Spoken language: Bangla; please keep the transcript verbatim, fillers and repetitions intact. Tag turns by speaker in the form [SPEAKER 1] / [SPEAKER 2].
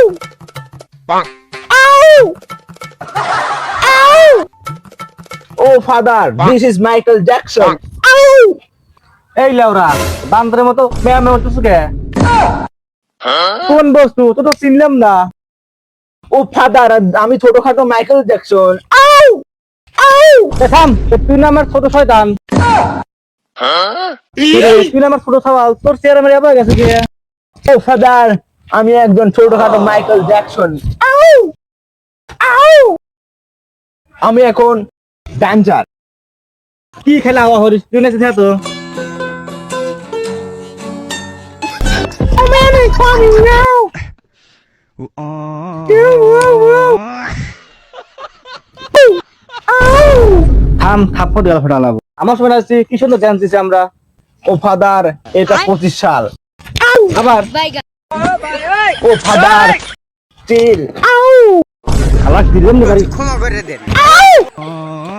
[SPEAKER 1] Oh father, this is Michael Jackson.
[SPEAKER 2] এই লেওরা বান্দরের মতো মেয়া মেয়া করতেছ কে? কোন বস্তু তো তো চিনলাম না।
[SPEAKER 1] ও ফাদার, আমি ছোটখাটো মাইকেল জ্যাকসন।
[SPEAKER 2] এ থাম, তুই না আমার ছোট শয়তান। তুই না আমার ছোট সওয়াল, তোর চেহারা মেরে আবার গেছে কি?
[SPEAKER 1] ও ফাদার, আমি একজন ছোটখাটো মাইকেল জ্যাকসন। আমি এখন ড্যান্সার।
[SPEAKER 2] কি খেলা হওয়া হরিস তুই নেছে তো? থাম থাপ্পড় দেওয়া ফেটালাম। আমার সময় আসছি কি সুন্দর ড্যান্স দিছি আমরা।
[SPEAKER 1] ও ফাদার, এটা পঁচিশ সাল।
[SPEAKER 2] আবার
[SPEAKER 1] ও ফাদার, চিল।
[SPEAKER 2] আলাস দিলাম না বাড়ি।
[SPEAKER 3] ক্ষমা করে দেন।